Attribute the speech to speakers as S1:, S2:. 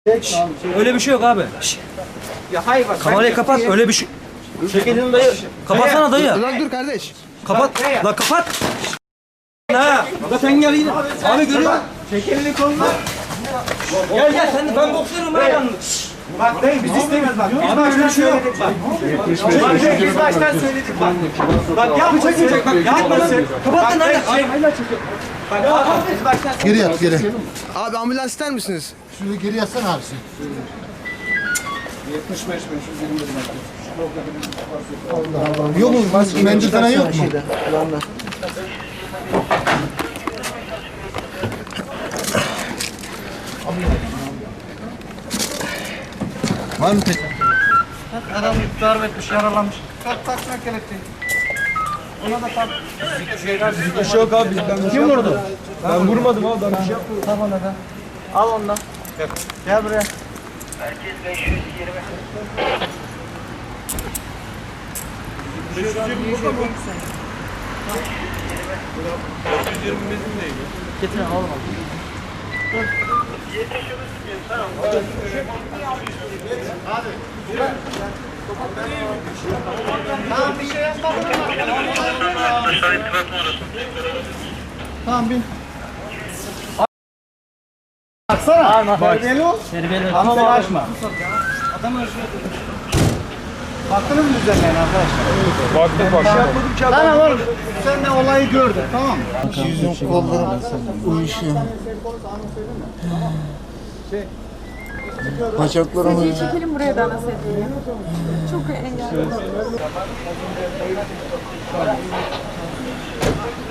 S1: Öyle bir şey yok abi.
S2: Ya hayır bak.
S1: Kamerayı kapat. Öyle bir şey. Çek elini dayı. Kapatsana dayı.
S3: Lan dur kardeş.
S1: Kapat. La kapat. Ha. La sen gel yine. Abi görüyor musun?
S2: Çek elini kolunu.
S1: Gel gel sen de ben boksörüm ben yalnız.
S2: Bak dayı biz istemiyoruz bak. Biz baştan söyledik bak. Bak dayı biz baştan söyledik bak. Bak yapma çekecek bak. Yapmasın.
S1: Kapat lan hadi.
S2: Bak yapma biz baştan
S4: Geri yat geri.
S3: Abi ambulans ister misiniz?
S4: Şunu geri yatsana abisi. Yok mu? Mendil falan yok mu? Var mı tek?
S2: Adam darp etmiş, yaralanmış. Kalk taksana kelepçeyi. Ona da kalk.
S1: Bir şey yok abi. Kim vurdu? Ben vurmadım abi. Ben bir şey yapmadım.
S2: Tamam hadi. Al ondan. Gel buraya.
S5: Merkez 520.
S2: Getirin oğlum. Tamam bir şey yapma. Tamam bin. Baksana. Terbiyeli ol.
S1: Terbiyeli.
S2: Ama bak açma. Adam ölçüyor. Baktınız mı üzerine arkadaşlar?
S1: Baktık.
S2: Tamam oğlum. Sen de olayı gördün tamam mı?
S4: Yüzüm kollarım uyuşuyor. Bacaklarım
S6: Sedyeyi çekelim buraya da ana sedyeyi. Çok engelli.